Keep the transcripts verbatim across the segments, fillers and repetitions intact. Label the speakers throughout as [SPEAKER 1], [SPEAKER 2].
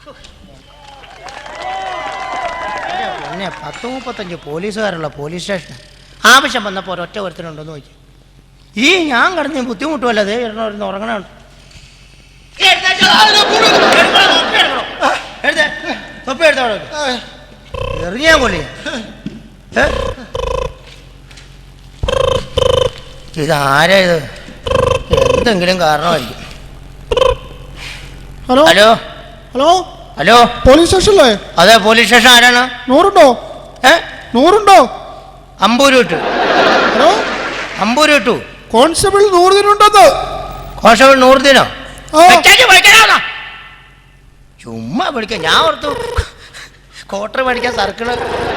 [SPEAKER 1] പിന്നെ പത്ത് മുപ്പത്തഞ്ച് പോലീസുകാരുള്ള പോലീസ് സ്റ്റേഷൻ ആവശ്യം വന്നപ്പോൾ ഒരൊറ്റ ഒരുത്തനുണ്ടോന്ന് നോക്കി. ഈ ഞാൻ കിടന്ന് ബുദ്ധിമുട്ടുമല്ല, അതേ ഇരുന്ന് ഉറങ്ങണുണ്ട്. തൊപ്പി എടുത്തോ എറിഞ്ഞാ കൊള്ളി. ഇതാരാ ഇത്? എന്തെങ്കിലും കാരണമായിരിക്കും.
[SPEAKER 2] Hello
[SPEAKER 1] hello
[SPEAKER 2] hello
[SPEAKER 1] hello
[SPEAKER 2] police സ്റ്റേഷനല്ലേ?
[SPEAKER 1] അതെ, പോലീസ് സ്റ്റേഷൻ. ആരാണ്?
[SPEAKER 2] നൂറുണ്ടോ?
[SPEAKER 1] ഏ
[SPEAKER 2] നൂറുണ്ടോ?
[SPEAKER 1] അമ്പൂര് വിട്ടു.
[SPEAKER 2] ഹലോ,
[SPEAKER 1] അമ്പൂര് വിട്ടു.
[SPEAKER 2] കോൺസ്റ്റബിൾ നൂറുദിനുണ്ടോ?
[SPEAKER 1] കോൺസ്റ്റബിൾ നൂറുദിനോ? ചുമ്മാ വിളിക്കാം. ഞാൻ ഓർത്തു ക്വാർട്ടർ മേടിക്കാൻ സർക്കിള്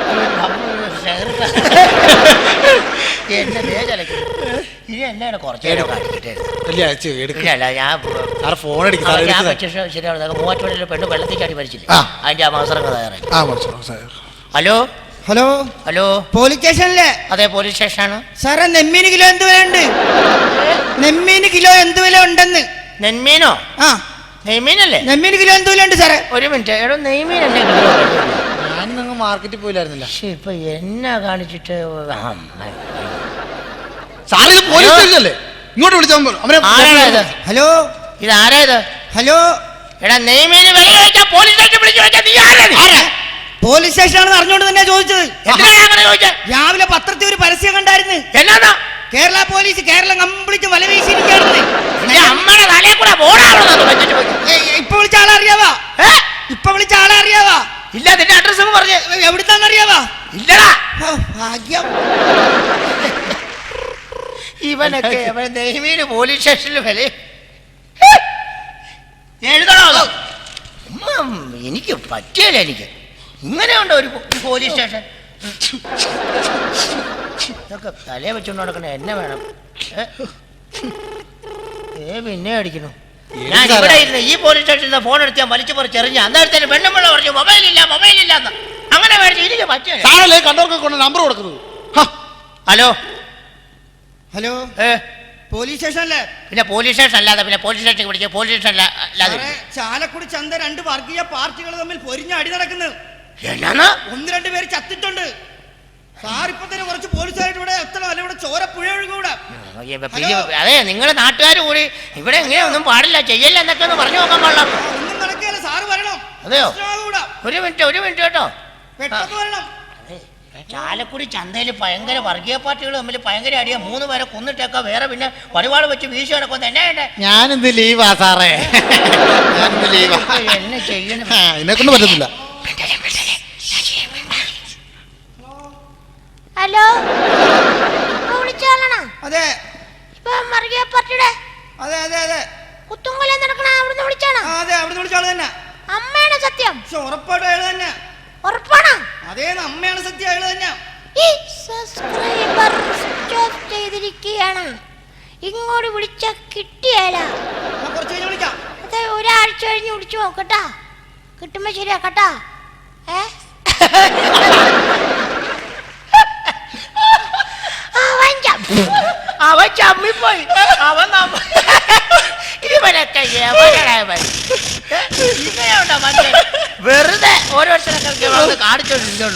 [SPEAKER 1] എന്നെ വേചലക്കും. ഇനി എന്നാണ് കുറച്ച് നേരം കാണിച്ചിട്ട് ഞാൻ ഫോൺ ശരിയാണ്. മൂവാറ്റുപുഴയിലെ പെണ്ണ് വെള്ളത്തിൽ ചാടി മരിച്ചില്ല, അതിന്റെ ആ അവസരം തയ്യാറായി. ഹലോ
[SPEAKER 3] ഹലോ
[SPEAKER 1] ഹലോ
[SPEAKER 3] പോലീസ് സ്റ്റേഷനല്ലേ?
[SPEAKER 1] അതെ, പോലീസ് സ്റ്റേഷനാണ്.
[SPEAKER 3] സാറേ, നെമ്മീന് കിലോ എന്ത് വില ഉണ്ട്? നെമ്മീന് കിലോ എന്ത് വില ഉണ്ടെന്ന്?
[SPEAKER 1] നെന്മീനോ? ആ, നെയ്മീനല്ലേ? നെമ്മീന് കിലോ എന്ത് വില ഉണ്ട് സാറേ? ഒരു മിനിറ്റ്. എടോ, നെയ്മീൻ അല്ലേ കിലോ? ഞാൻ നിങ്ങൾ മാർക്കറ്റിൽ പോയില്ലായിരുന്നില്ല. പക്ഷെ ഇപ്പൊ എന്നാ കാണിച്ചിട്ട്
[SPEAKER 2] ഇങ്ങോട്ട് വിളിച്ചാൽ
[SPEAKER 3] ഹലോ,
[SPEAKER 1] ഇത് ആരായത്?
[SPEAKER 3] ഹലോ,
[SPEAKER 1] എടാ, നെയ്മീന് വില ചോദിച്ചാൽ പോലീസ് സ്റ്റേഷൻ വിളിച്ചു ചോദിച്ചാൽ നീ ആരാ?
[SPEAKER 3] പോലീസ് സ്റ്റേഷനാണെന്ന് അറിഞ്ഞുകൊണ്ട് തന്നെ ചോദിച്ചത്.
[SPEAKER 1] അങ്ങനെ ചോദിച്ചത്?
[SPEAKER 3] രാവിലെ പത്രത്തിൽ ഒരു പരസ്യം കണ്ടായിരുന്നു.
[SPEAKER 1] എന്നാ?
[SPEAKER 3] കേരള പോലീസ് കേരളം കംപ്ലീറ്റ് വല വീശിയിരിക്കുകയാണെന്ന്.
[SPEAKER 1] അമ്മയുടെ തലയിൽ കൂടെ ബോർഡാണോ?
[SPEAKER 3] ഇപ്പൊ വിളിച്ച ആളെ അറിയാവാ? ഇപ്പൊ വിളിച്ച ആളെ അറിയാവാ?
[SPEAKER 1] ഇല്ല. നിന്റെ അഡ്രസ് പറഞ്ഞ്
[SPEAKER 3] എവിടുത്താന്ന് അറിയാവാ?
[SPEAKER 1] ഇല്ലടാ.
[SPEAKER 3] ഭാഗ്യം.
[SPEAKER 1] ഇവനൊക്കെ നെയ്മീന് പോലീസ് സ്റ്റേഷനിൽ വില എഴുതണോ? എനിക്ക് പറ്റിയല്ല. എനിക്ക് ഇങ്ങനെയുണ്ടോ ഒരു പോലീസ് സ്റ്റേഷൻ? ഇതൊക്കെ തലയെ വെച്ചുകൊണ്ട് നടക്കണ എന്നെ വേണം. ഏ പിന്നെ അടിക്കണു. ഞാൻ ഇവിടെ ഇരുന്ന് ഈ പോലീസ് സ്റ്റേഷനിൽ ഫോൺ എടുത്താൽ വലിച്ചു പറിച്ചെറിഞ്ഞ അന്നേരത്തേന് പെണ്ണുമ്പിള്ള പറഞ്ഞു മൊബൈലില്ല മൊബൈലില്ല എന്ന്. അങ്ങനെ മേടിച്ചു. എനിക്ക് പറ്റിയ
[SPEAKER 2] കണ്ടവർക്ക് കൊണ്ട് നമ്പർ കൊടുക്കുന്നത്.
[SPEAKER 1] ഹലോ
[SPEAKER 3] ഹലോ,
[SPEAKER 1] ഏ
[SPEAKER 3] പോലീസ് സ്റ്റേഷനല്ലേ?
[SPEAKER 1] പിന്നെ പോലീസ് സ്റ്റേഷൻ അല്ലാതെ പിന്നെ പോലീസ് സ്റ്റേഷൻ പിടിക്കുക? പോലീസ് സ്റ്റേഷൻ അല്ലാതെ
[SPEAKER 3] ചാലക്കുടി ചന്ത രണ്ട് വർഗീയ പാർട്ടികൾ തമ്മിൽ പൊരിഞ്ഞ അടി നടക്കുന്നത്.
[SPEAKER 1] എന്നാണ്?
[SPEAKER 3] ഒന്ന് രണ്ട് പേര് ചത്തിട്ടുണ്ട്. സാർ ഇപ്പൊ തന്നെ കുറച്ച് പോലീസുകാരുടെ ഇവിടെ എത്തണം, അല്ല ഇവിടെ ചോര പുഴ ഒഴുകൂടെ.
[SPEAKER 1] അതെ, നിങ്ങളെ നാട്ടുകാർ കൂടി ഇവിടെ ഇങ്ങനെ ഒന്നും പാടില്ല, ചെയ്യല്ല എന്നൊക്കെ ഒന്ന് പറഞ്ഞു നോക്കാൻ പാടില്ല.
[SPEAKER 3] ഒന്നും നടക്കുകയല്ല, സാറ് വരണം.
[SPEAKER 1] അതെയോ? ഒരു മിനിറ്റ് ഒരു മിനിറ്റ് കേട്ടോ.
[SPEAKER 3] പെട്ടെന്ന് വരണം.
[SPEAKER 1] ചാലക്കുടി ചന്തയിൽ ഭയങ്കര വർഗീയ പാർട്ടികൾ തമ്മിൽ ഭയങ്കര അടിയാ. മൂന്ന് പേരെ കൊന്നിട്ടേക്കാ, വേറെ പിന്നെ പരിപാടി വെച്ച് വീശി കിടക്കുന്ന എന്നാ വേണ്ടേ?
[SPEAKER 2] ഞാനിന്ന് ലീവാ സാറേ.
[SPEAKER 1] എന്നെ ചെയ്യണം,
[SPEAKER 2] എന്നെ കൊണ്ട് പറ്റത്തില്ല.
[SPEAKER 4] ഹലോ, ഇപ്പൊ വിളിച്ചാളാണോ?
[SPEAKER 3] അതെ.
[SPEAKER 4] ഇപ്പൊ വർഗീയ പാർട്ടിയുടെ
[SPEAKER 3] അതെ അതെ അതെ
[SPEAKER 4] കുത്തുംകൊല നടക്കണ അവിടുന്ന് വിളിച്ചാണോ?
[SPEAKER 3] അതെ, അവിടുന്ന് വിളിച്ചാള് തന്നെ.
[SPEAKER 4] അമ്മയാണ് സത്യം?
[SPEAKER 3] ഉറപ്പായിട്ടും അയാൾ തന്നെ.
[SPEAKER 4] ഉറപ്പാണോ?
[SPEAKER 3] അതേ, അമ്മയാണ് സത്യം, അയാൾ തന്നെ.
[SPEAKER 4] ഈ സബ്സ്ക്രൈബർ സ്വിച്ച് ഓഫ് ചെയ്തിരിക്കുകയാണ്. ഇങ്ങോട്ട് വിളിച്ച കിട്ടിയല്ല.
[SPEAKER 3] കുറച്ച് കഴിഞ്ഞ് വിളിക്കാം.
[SPEAKER 4] അതെ, ഒരാഴ്ച കഴിഞ്ഞ് വിളിച്ചു നോക്കട്ടാ, കിട്ടുമ്പോ ശരിയാക്കട്ടാ. ഏ
[SPEAKER 1] അവൻ ചമ്മിപ്പോയി. അവൻ ഇവനൊക്കെ ഇങ്ങനെയുണ്ടോ മനുഷ്യൻ? വെറുതെ ഓരോരുത്തരൊക്കെ വന്ന് കാണിച്ചോണ്ടിരുന്നുള്ളൂ.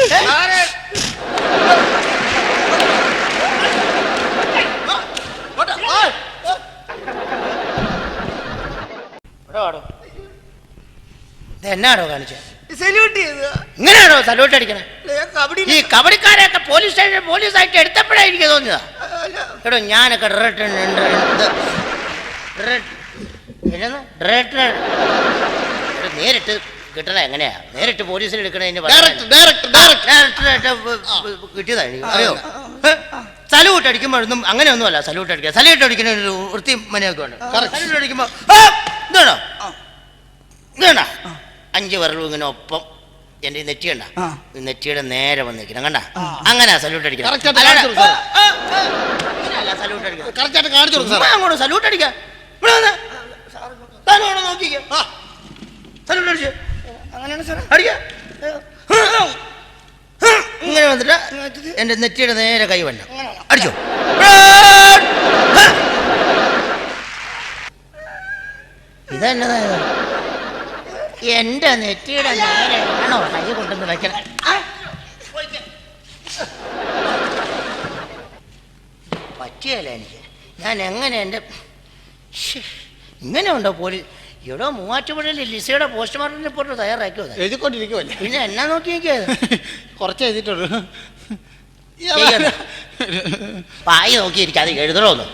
[SPEAKER 1] എന്നാണോ കാണിച്ചത്? ഇങ്ങനെയാണോ സല്യൂട്ട് അടിക്കണേ? ഈ കബഡിക്കാരെയൊക്കെ പോലീസ് സ്റ്റേഷൻ പോലീസായിട്ട് എടുത്തപ്പോഴേ എനിക്ക് തോന്നിയതാ. എടോ, ഞാനൊക്കെ നേരിട്ട് കിട്ടണ എങ്ങനെയാ? നേരിട്ട് പോലീസിൽ എടുക്കണതിന് കിട്ടിയതാ എനിക്ക്. അറിയോ? സല്യൂട്ട് അടിക്കുമ്പോഴൊന്നും അങ്ങനെയൊന്നും അല്ല. സല്യൂട്ട് അടിക്കുക, സല്യൂട്ട് അടിക്കുന്ന ഒരു വൃത്തി മനയൊക്കെ ഉണ്ട്. സല്യൂട്ട് അടിക്കുമ്പോ ഇതാണോ ഇതേണ്ട അഞ്ച് വിരലും ഇങ്ങനെ ഒപ്പം എന്റെ നെറ്റി കണ്ട, നെറ്റിയുടെ നേരെ വന്നിരിക്കണം കണ്ട. അങ്ങനെ സല്യൂട്ട് അടിക്കണം. അങ്ങോട്ട് സല്യൂട്ട് അടിക്ക. നോക്കിക്ക, സല്യൂട്ട് അടിച്ച് അങ്ങനെയാണ് അടിക്ക. ഇങ്ങനെ വന്നിട്ട് എന്റെ നെറ്റിയുടെ നേരെ കൈ വന്ന അടിച്ചോ. ഇതെന്നതായത്? എന്റെ നെറ്റിയുടെ നേരെയാണോ കൈ കൊണ്ടുവന്ന് വെക്കണം? പറ്റിയല്ല എനിക്ക്. ഞാൻ എങ്ങനെ എൻ്റെ ഇങ്ങനെ ഉണ്ടോ പോലീസ്? ഇവിടെ മൂവാറ്റുപുഴയിൽ ലിസയുടെ പോസ്റ്റ്മോർട്ടം റിപ്പോർട്ട് തയ്യാറാക്കിയോ?
[SPEAKER 2] എഴുതിക്കൊണ്ടിരിക്കുവല്ലേ?
[SPEAKER 1] പിന്നെ എന്നാ നോക്കി നോക്കിയത്?
[SPEAKER 2] കുറച്ച് എഴുതിയിട്ടുള്ളൂ.
[SPEAKER 1] പായി നോക്കിയിരിക്കും, അത് എഴുതണോന്ന്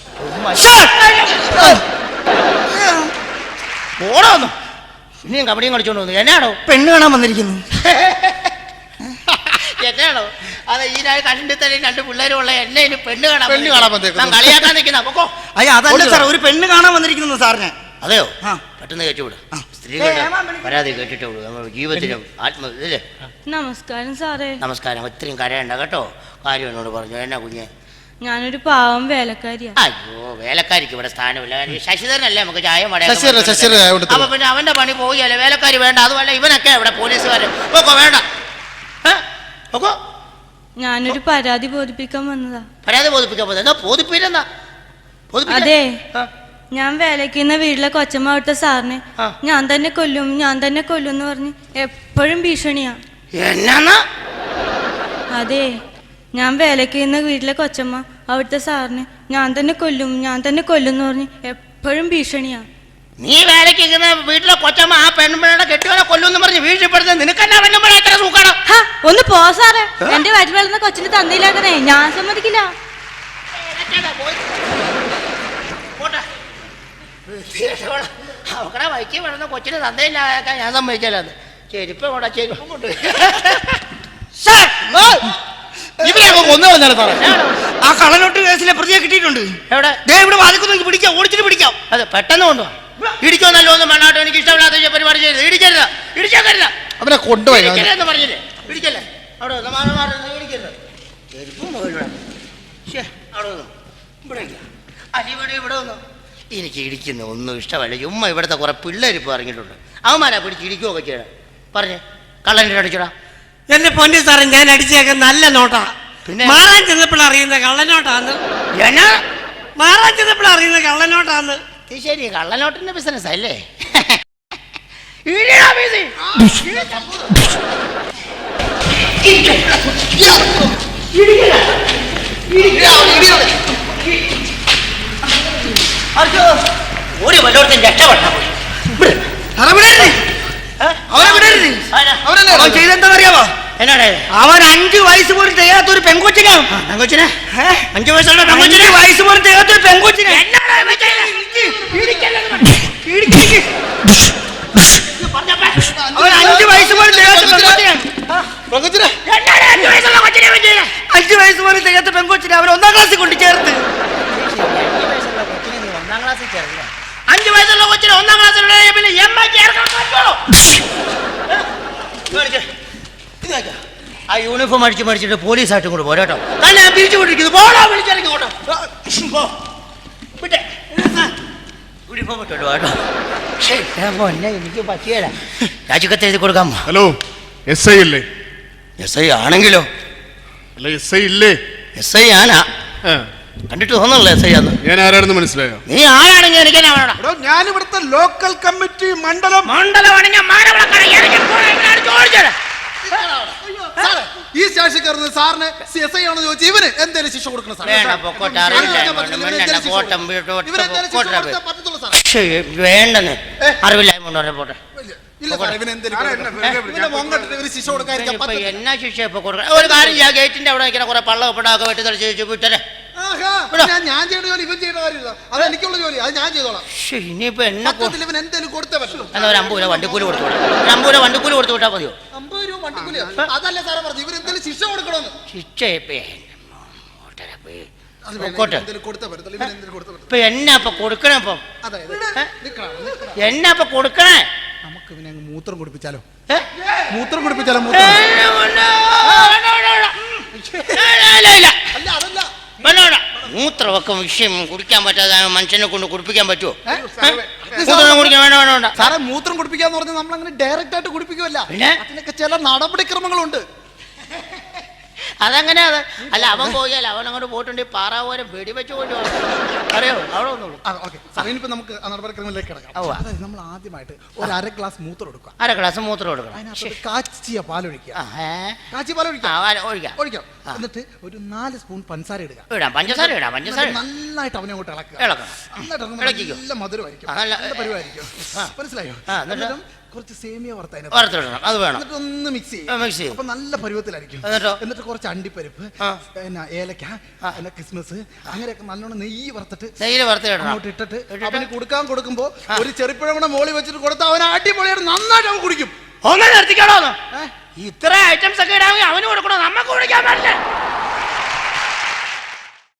[SPEAKER 1] പോണോന്നു. ഇനിയും കബഡിയും കളിച്ചോണ്ട് വന്നു. എന്നാണോ?
[SPEAKER 3] പെണ്ണ് കാണാൻ വന്നിരിക്കുന്നു.
[SPEAKER 1] എന്നാണോ അത്? ഈ കണ്ടിട്ട് തന്നെ രണ്ട് പിള്ളേരും ഉള്ള എന്നെ ഇനി പെണ്ണ് കാണാൻ
[SPEAKER 2] പെണ്ണ് കാണാൻ വന്നേക്കുന്നു.
[SPEAKER 1] കളിയാക്കാൻ നിൽക്കുന്ന പൊക്കോ.
[SPEAKER 3] അയ്യ അതല്ല സാർ, ഒരു പെണ്ണ് കാണാൻ വന്നിരിക്കുന്നു സാറിന്.
[SPEAKER 1] അതെയോ?
[SPEAKER 3] ആ.
[SPEAKER 1] പെട്ടെന്ന് കേട്ടുവിടും. സ്ത്രീകളുടെ പരാതി കേട്ടിട്ടേ ഉള്ളൂ നമ്മുടെ ജീവിതത്തിലും ആത്മ ഇല്ലേ.
[SPEAKER 5] നമസ്കാരം സാറേ.
[SPEAKER 1] നമസ്കാരം. ഇത്രയും കരയണ്ട കേട്ടോ. കാര്യം എന്നോട് പറഞ്ഞു. എന്നാ കുഞ്ഞെ?
[SPEAKER 5] ഞാനൊരു പാവം വേലക്കാരിയാ.
[SPEAKER 1] അയ്യോ, വേലക്കാരിക്ക് ഇവിടെ സ്ഥാനമില്ല. ശശിധരനല്ലേ നമുക്ക് ചായ
[SPEAKER 2] ശശിധരൻ, ശശിധരൻ ചായ കൊടുത്തു.
[SPEAKER 1] അപ്പൊ പിന്നെ അവന്റെ പണി പോവുകയല്ലേ. വേലക്കാരി വേണ്ട. അതുമല്ല ഇവനൊക്കെ ഇവിടെ പോലീസുകാര് പോക്കോ വേണ്ട. പോക്കോ.
[SPEAKER 5] ഞാനൊരു പരാതി ബോധിപ്പിക്കാൻ വന്നതാ.
[SPEAKER 1] പരാതി ബോധിപ്പിക്കാൻ പോകുന്നത്? എന്നാ ബോധിപ്പില്ലെന്നാ?
[SPEAKER 5] അതെ, ഞാൻ വേലക്കുന്ന വീട്ടിലെ കൊച്ചമ്മ അവിടുത്തെ സാറിനെ
[SPEAKER 1] ആ.
[SPEAKER 5] ഞാൻ തന്നെ കൊല്ലും ഞാൻ തന്നെ കൊല്ലും എന്ന് പറഞ്ഞ് എപ്പോഴും ഭീഷണിയാ.
[SPEAKER 1] എന്നാ?
[SPEAKER 5] അതെ, ഞാൻ വേലക്കുന്ന വീട്ടിലെ കൊച്ചമ്മ അവിടുത്തെ സാറിനെ ഞാൻ തന്നെ കൊല്ലും ഞാൻ തന്നെ കൊല്ലും എന്ന് പറഞ്ഞ് എപ്പോഴും ഭീഷണിയാ.
[SPEAKER 1] നീ വേലയ്ക്ക് വീട്ടിലെ കൊച്ചമ്മ ആ പെൺപിള്ളയുടെ കെട്ടിയോനെ കൊല്ലുമെന്ന് പറഞ്ഞ് വീഴ്ചപ്പെടുന്നത് നിനക്കെന്നാ പെൺപിള്ള എത്ര സൂക്കാണ്?
[SPEAKER 5] ഹാ, ഒന്ന് പോ സാറേ. എന്റെ വയറ്റിൽ വളർന്ന കൊച്ചിന് തന്നില്ലാക്കണേ, ഞാൻ സമ്മതിക്കില്ല.
[SPEAKER 1] അവക്കടെ വൈക്കി വളർന്ന കൊച്ചിന് തന്തയില്ലാക്കാൻ ഞാൻ സമ്മതിക്കല്ലാന്ന്. ചെരുപ്പ് കൊണ്ടാ ചെരുപ്പം കൊണ്ട്
[SPEAKER 3] ആ കള്ളനോട്ട് കേസിലെ പ്രതിയെ കിട്ടിയിട്ടുണ്ട്.
[SPEAKER 1] എവിടെ?
[SPEAKER 3] ദേ ഇവിടെ വാദിക്കുന്നു. പിടിക്കാം, ഓടിച്ചിട്ട് പിടിക്കാം.
[SPEAKER 1] അതെ, പെട്ടെന്ന് കൊണ്ടുപോവാ. ഇടിക്കോ നല്ലോ ഒന്നും വേണ്ടാട്ടോ. എനിക്ക് ഇഷ്ടമില്ലാത്ത പരിപാടി ചെയ്ത് ഇടിക്കരുത്. ഇടിച്ചേക്കരുത്.
[SPEAKER 2] അവനെ കൊണ്ടുപോയി
[SPEAKER 1] എന്ന് പറഞ്ഞില്ലേ? ഇടിക്കല്ലേ അവിടെ ഇടിക്കരുത്. ചെരുപ്പും മുകളിലൂടെ അവിടെ വന്നു. ഇവിടെ അലിവിടെ ഇവിടെ വന്നു. എനിക്ക് ഇടിക്കുന്ന ഒന്നും ഇഷ്ടമല്ല. ചുമ്മാ ഇവിടുത്തെ കുറെ പിള്ളേരിപ്പോൾ ഇറങ്ങിയിട്ടുണ്ട്. അവന്മാരാ പിടിച്ച് ഇടിക്കുകയൊക്കെ ചെയ്യണം. പറഞ്ഞേ, കള്ളൻ്റെ അടിച്ചോടാ.
[SPEAKER 3] എന്റെ പൊന്നി സാറേ, ഞാൻ അടിച്ചേക്കാൻ നല്ല നോട്ടാ.
[SPEAKER 1] പിന്നെ
[SPEAKER 3] മാറാൻ ചെന്നപ്പോൾ അറിയുന്ന കള്ളനോട്ടാന്ന്.
[SPEAKER 1] എന്നാ
[SPEAKER 3] മാറാൻ ചെന്നപ്പോൾ അറിയുന്ന കള്ളനോട്ടാന്ന്.
[SPEAKER 1] ഇത് ശരി, കള്ളനോട്ടിന്റെ ബിസിനസ് അല്ലേ? ഒരു വല്ലോടത്തും രക്ഷപ്പെട്ടാ പോയി.
[SPEAKER 3] അവൻ ചെയ്തെന്താണെന്നറിയാമോ?
[SPEAKER 1] എന്നാടേ?
[SPEAKER 3] അവൻ അഞ്ചു വയസ്സ് പോലും തികയാത്ത ഒരു പെൺകൊച്ചിനെ
[SPEAKER 1] പെങ്കൊച്ചിനെ അഞ്ചു വയസ്സുള്ള
[SPEAKER 3] അഞ്ചു വയസ്സ് പോലും തികയാത്ത ഒരു പെൺകൊച്ചിനെ അവൻ അഞ്ചു വയസ്സ് പോലും തികയാത്ത പെൺകൊച്ചിനെ അഞ്ചു വയസ്സ് പോലും തികയാത്ത പെൺകൊച്ചിനെ അവൻ ഒന്നാം ക്ലാസ്സിൽ കൊണ്ട് ചേർത്ത്.
[SPEAKER 1] ഒന്നാം ക്ലാസ്സിൽ ചേർന്നില്ല. അഞ്ചു വയസ്സുള്ള കൊച്ചിനെ ഒന്നാം ക്ലാസ്സിലുള്ള പിന്നെ എം ഐ ചേർക്കാൻ പറ്റുള്ളൂ. ആ യൂണിഫോം അടിച്ച് മടിച്ചിട്ട് പോലീസായിട്ടും കൂടെ പോരാട്ടോ. തന്നെ ഞാൻ പിരിച്ചു കൊണ്ടിരിക്കുന്നു. പോടാ, വിളിച്ചിറങ്ങി പോട്ടോ. വിട്ടെ യൂണിഫോം ഇട്ടോ കേട്ടോ. പൊന്നെ, എനിക്ക് പറ്റിയല്ല. രാജിക്കത്ത് എഴുതി കൊടുക്കാമോ?
[SPEAKER 6] ഹലോ, എസ് ഐ അല്ലേ?
[SPEAKER 1] എസ് ഐ ആണെങ്കിലോ?
[SPEAKER 6] അല്ല, എസ് ഐ ഇല്ലേ?
[SPEAKER 1] എസ് ഐ ആനാ. കണ്ടിട്ട് തോന്നുന്നില്ല എസ് ഐ ആന്ന്.
[SPEAKER 6] ഞാൻ ആരാണെന്ന് മനസ്സിലായോ?
[SPEAKER 1] നീ ആരാണെങ്കിൽ എനിക്ക്
[SPEAKER 2] ഞാൻ ഇവിടുത്തെ ലോക്കൽ കമ്മിറ്റി മണ്ഡലം
[SPEAKER 1] മണ്ഡലമാണെങ്കിൽ
[SPEAKER 2] ഈ സ്റ്റേഷൻ കയറുന്നത് സാറിന് എസ് ഐ ആണെന്ന് ചോദിച്ചു. ഇവന് എന്തേലും ശിക്ഷ കൊടുക്കണം സാർ.
[SPEAKER 1] വേണ്ട, പൊക്കോട്ടെ. അറിവില്ല കോട്ടം
[SPEAKER 2] പറ്റത്തുള്ളൂ സാർ.
[SPEAKER 1] വേണ്ടെന്ന് അറിവില്ലായ്മ കൊണ്ട് പോട്ടെ.
[SPEAKER 2] ഇല്ല സാർ, ഇവന് എന്തേലും മോങ്കട്ടിട്ട് ഇവര് ശിക്ഷ കൊടുക്കാതിരിക്കാൻ
[SPEAKER 1] ഇപ്പൊ
[SPEAKER 2] പറ്റത്തില്ല.
[SPEAKER 1] എന്നാ ശിക്ഷ ഇപ്പൊ കൊടുക്കണം? ഒരു കാര്യം ചെയ്യാം, ഗേറ്റിന്റെ അവിടെ നിൽക്കുന്ന കുറെ പള്ള ഒപ്പിടാക്കെ വെട്ടി തെളിച്ച് ചോദിച്ചു വിട്ടേ.
[SPEAKER 2] ആഹാ, ഞാൻ ഞാൻ ചെയ്യേണ്ട ജോലി ഇവൻ ചെയ്യേണ്ട കാര്യമില്ല. അത് എനിക്കുള്ള ജോലി, അത് ഞാൻ ചെയ്തോളാം.
[SPEAKER 1] ഇനിയിപ്പൊ എന്നെ
[SPEAKER 2] പറ്റത്തില്ല, ഇവൻ എന്തേലും കൊടുത്തേ പറ്റുള്ളൂ.
[SPEAKER 1] എന്നാ ഒരു അമ്പത് രൂപ വണ്ടിക്കൂലി കൊടുത്തു വിടാം. ഒരു അമ്പത് രൂപ വണ്ടിക്കൂലി കൊടുത്തു വിട്ടാൽ മതിയോ?
[SPEAKER 2] അമ്പത് രൂപ വണ്ടിക്കൂലി അതല്ല സാറേ പറഞ്ഞു. ഇവർ എന്തേലും ശിക്ഷ കൊടുക്കണമെന്ന്.
[SPEAKER 1] ശിക്ഷ ഇപ്പൊ
[SPEAKER 2] അത്
[SPEAKER 1] പൊക്കോട്ടെ.
[SPEAKER 2] എന്തേലും കൊടുത്തേ പറ്റത്തുള്ളൂ. ഇവൻ എന്തേലും കൊടുത്തേ പറ്റത്തുള്ളൂ.
[SPEAKER 1] ഇപ്പൊ എന്നാ ഇപ്പൊ കൊടുക്കണേ? ഇപ്പം
[SPEAKER 2] അതായത് നിക്കണം, നിക്കണം.
[SPEAKER 1] എന്നാ ഇപ്പൊ കൊടുക്കണേ?
[SPEAKER 2] നമുക്ക് ഇവനെ അങ്ങ് മൂത്രം കുടിപ്പിച്ചാലോ?
[SPEAKER 1] ഏ?
[SPEAKER 2] മൂത്രം കുടിപ്പിച്ചാലോ?
[SPEAKER 1] ഏ,
[SPEAKER 2] മൂത്രം
[SPEAKER 1] വേണ്ട, വേണ്ട, വേണ്ട. ഇല്ല, ഇല്ല, ഇല്ല.
[SPEAKER 2] അല്ല, അതല്ല.
[SPEAKER 1] വേണ്ട, വേണ്ട. മൂത്രമൊക്കെ വിഷയം കുടിക്കാൻ പറ്റാതെ മനുഷ്യനെ കൊണ്ട് കുടിപ്പിക്കാൻ പറ്റുമോ? മൂത്രം കുടിക്കാൻ വേണ്ട, വേണ്ട, വേണ്ട.
[SPEAKER 2] സാറേ, മൂത്രം കുടിപ്പിക്കാന്ന് പറഞ്ഞാൽ നമ്മൾ അങ്ങനെ ഡയറക്റ്റ് ആയിട്ട് കുടിപ്പിക്കുമല്ല.
[SPEAKER 1] പിന്നെ
[SPEAKER 2] അതിനൊക്കെ ചില നടപടിക്രമങ്ങളുണ്ട്.
[SPEAKER 1] അതങ്ങനെ അത് അല്ല അവൻ പോയാൽ അവൻ അങ്ങോട്ട് പോയിട്ടുണ്ടെങ്കിൽ പാറാവോരം വെടിവെച്ച് കൊണ്ട് അറിയോ അവിടെ വന്നോളൂ.
[SPEAKER 2] ഓക്കെ സാർ ഇനിയിപ്പോ നമുക്ക് ആ നടപടിക്രമത്തിലേക്ക് കിടക്കാം.
[SPEAKER 1] ഉവ്വ.
[SPEAKER 2] അതായത് നമ്മൾ ആദ്യമായിട്ട് ഒരു അര ഗ്ലാസ് മൂത്രം എടുക്കുക.
[SPEAKER 1] അര ഗ്ലാസ് മൂത്രം കൊടുക്കണം.
[SPEAKER 2] അതിനകത്ത് കാച്ചിയ പാലൊഴിക്കുക.
[SPEAKER 1] ആ, ഏ?
[SPEAKER 2] കാച്ചിയ പാലൊഴിക്കുക.
[SPEAKER 1] ആ, വാ- ഒഴിക്കാം
[SPEAKER 2] ഒഴിക്കാം. എന്നിട്ട് ഒരു നാല് സ്പൂൺ പഞ്ചസാര ഇടുക.
[SPEAKER 1] ഇടാം പഞ്ചസാര ഇടാം പഞ്ചസാര
[SPEAKER 2] എന്നിട്ട് നന്നായിട്ട് അവനെ അങ്ങോട്ട് ഇളക്കുക.
[SPEAKER 1] ഇളക്കണം.
[SPEAKER 2] നന്നായിട്ട് ഇളക്കുമ്പോൾ
[SPEAKER 1] ഇളക്കിക്കോ.
[SPEAKER 2] നല്ല മധുരമായിരിക്കും.
[SPEAKER 1] ആ, നല്ല-
[SPEAKER 2] നല്ല പരിവായിരിക്കും.
[SPEAKER 1] ആ.
[SPEAKER 2] മനസ്സിലായോ?
[SPEAKER 1] ആ, എന്നിട്ട്?
[SPEAKER 2] എന്നിട്ടും കുറച്ച് സേമിയ വറുത്തതിന്
[SPEAKER 1] വറുത്തിടണം അത് വേണം.
[SPEAKER 2] എന്നിട്ട് ഒന്ന് മിക്സ്
[SPEAKER 1] ആ,
[SPEAKER 2] ചെയ്യും.
[SPEAKER 1] mix ചെയ്യും.
[SPEAKER 2] അപ്പൊ നല്ല പരുവത്തിലായിരിക്കും.
[SPEAKER 1] എന്നിട്ടോ?
[SPEAKER 2] എന്നിട്ട് കുറച്ച് അണ്ടിപ്പരിപ്പ്,
[SPEAKER 1] ആ.
[SPEAKER 2] പിന്നെ ഏലക്ക, പിന്നെ കിസ്മിസ് അങ്ങനെയൊക്കെ നല്ലോണം നെയ്യ് വറുത്തിട്ട്
[SPEAKER 1] നെയ്യിൽ വറുത്തിടണം.
[SPEAKER 2] അങ്ങോട്ട് ഇട്ടിട്ട്
[SPEAKER 1] ഇട്ടിട്ട്?
[SPEAKER 2] അവന് കൊടുക്കാൻ കൊടുക്കുമ്പോ ഒരു ചെറുപ്പഴം കൂടെ മോളി വെച്ചിട്ട് കൊടുത്താൽ അവൻ അടിപൊളിയായിട്ട് നന്നായിട്ട് അവൻ കുടിക്കും.
[SPEAKER 1] ഒന്ന് നിർത്തിക്കണോ?
[SPEAKER 2] ഏ?
[SPEAKER 1] ഇത്ര ഐറ്റംസ് ഒക്കെ ഇടാമെങ്കിൽ അവന് കൊടുക്കണോ? നമ്മക്ക് കുടിക്കാൻ പറ്റില്ല.